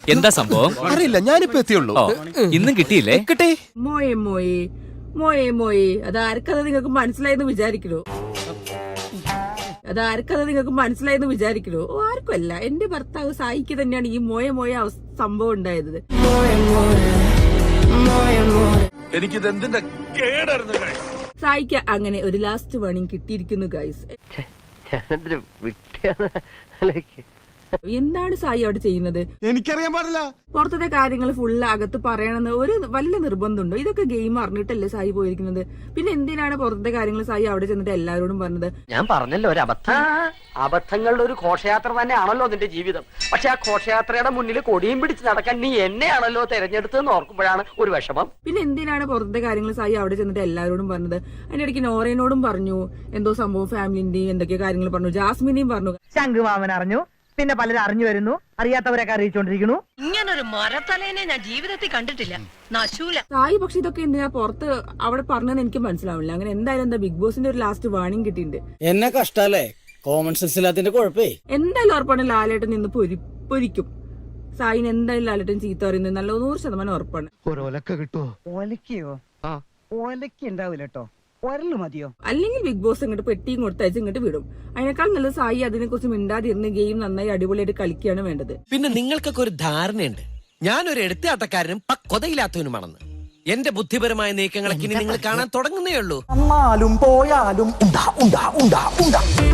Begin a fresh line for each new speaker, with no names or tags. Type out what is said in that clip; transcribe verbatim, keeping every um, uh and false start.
എന്താ സംഭവം?
അറിയില്ല, ഞാനിപ്പോ എത്തിയുള്ളൂ.
ഇന്നും കിട്ടിയില്ലേ?
കിട്ടേ
മോയെ മോയെ മോയെ മോയെ അതാർക്കത് നിങ്ങൾക്ക് മനസ്സിലായെന്ന് വിചാരിക്കണോ? അതാർക്കത് നിങ്ങൾക്ക് മനസ്സിലായെന്ന് വിചാരിക്കണോ? ഓ, ആർക്കുമല്ല. എന്റെ ഭർത്താവ് സായിക്ക് തന്നെയാണ് ഈ മോയ മോയ സംഭവം ഉണ്ടായത്. സായിക്ക് അങ്ങനെ ഒരു ലാസ്റ്റ് വാണിംഗ് കിട്ടിയിരിക്കുന്നു ഗൈസ്. എന്താണ് സായി അവിടെ ചെയ്യുന്നത്?
എനിക്കറിയാൻ പാടില്ല.
പുറത്തത്തെ കാര്യങ്ങൾ ഫുള്ള് അകത്ത് പറയണമെന്ന് ഒരു വല്ല നിർബന്ധമുണ്ടോ? ഇതൊക്കെ ഗെയിം അറിഞ്ഞിട്ടല്ലേ സായി പോയിരിക്കുന്നത്. പിന്നെ എന്തിനാണ് പുറത്തത്തെ കാര്യങ്ങൾ സായി അവിടെ ചെന്നിട്ട് എല്ലാവരോടും പറഞ്ഞത്?
ഞാൻ പറഞ്ഞല്ലോ, ഒരു അബദ്ധം. അബദ്ധങ്ങളുടെ ഒരു ഘോഷയാത്ര തന്നെയാണല്ലോ നിന്റെ ജീവിതം. പക്ഷെ ആ ഘോഷയാത്രയുടെ മുന്നിൽ കൊടിയും പിടിച്ച് നടക്കാൻ നീ എന്നെയാണല്ലോ തെരഞ്ഞെടുത്തെന്ന് ഓർക്കുമ്പോഴാണ് ഒരു വിഷമം.
പിന്നെ എന്തിനാണ് പുറത്തെ കാര്യങ്ങൾ സായി അവിടെ ചെന്നിട്ട് എല്ലാവരോടും പറഞ്ഞത്? അതിന്റെ ഇടയ്ക്ക് നോറേനോടും പറഞ്ഞു എന്തോ സംഭവം, ഫാമിലിന്റെയും എന്തൊക്കെയോ കാര്യങ്ങൾ പറഞ്ഞു, ജാസ്മിനെയും പറഞ്ഞു.
ശംഖുമാമൻ അറിഞ്ഞു, പിന്നെ പലരും അറിഞ്ഞു വരുന്നു, അറിയാത്തവരൊക്കെ അറിയിച്ചോണ്ടിരിക്കുന്നു.
ഇങ്ങനൊരു മരത്തലേനെ ഞാൻ ജീവിതത്തിൽ കണ്ടിട്ടില്ല. നശൂല
സായി പക്ഷെ ഇതൊക്കെ എന്തിനാ പുറത്ത് അവിടെ പറഞ്ഞതെന്ന് എനിക്ക് മനസ്സിലാവില്ല. അങ്ങനെ എന്തായാലും എന്താ ബിഗ് ബോസിന്റെ ഒരു ലാസ്റ്റ് വാണിംഗ് കിട്ടിയിട്ടുണ്ട്.
എന്നെ കഷ്ടല്ലേ, കോമൺ സെൻസ് ഇല്ലാത്തിന്റെ കുഴപ്പേ.
എന്തായാലും ഉറപ്പാണ് ലാലേട്ടൻ നിന്ന് പൊരി പൊരിക്കും. സായിന് എന്തായാലും ലാലേട്ടൻ ചീത്ത പറയുന്നത് നല്ല നൂറ് ശതമാനം ഉറപ്പാണ്.
ഒലക്കയോ? ഒലക്ക ഉണ്ടാവില്ല കേട്ടോ, ഒരല് മതിയോ?
അല്ലെങ്കിൽ ബിഗ് ബോസ് ഇങ്ങോട്ട് പെട്ടിയും കൊടുത്തയച്ച് ഇങ്ങോട്ട് വിടും. അതിനേക്കാൾ നല്ല സായി അതിനെ കുറിച്ച് മിണ്ടാതിരുന്ന് ഗെയിം നന്നായി അടിപൊളിയായിട്ട് കളിക്കുകയാണ് വേണ്ടത്.
പിന്നെ നിങ്ങൾക്കൊക്കെ ഒരു ധാരണയുണ്ട് ഞാനൊരു എടുത്താട്ടക്കാരനും പക്വതയില്ലാത്തവനുമാണെന്ന്. എന്റെ ബുദ്ധിപരമായ നീക്കങ്ങളൊക്കെ ഇനി നിങ്ങൾ കാണാൻ തുടങ്ങുന്നേ ഉള്ളൂ.
പോയാലും ഉണ്ടാ ഉണ്ടാ ഉണ്ടാ ഉണ്ടാ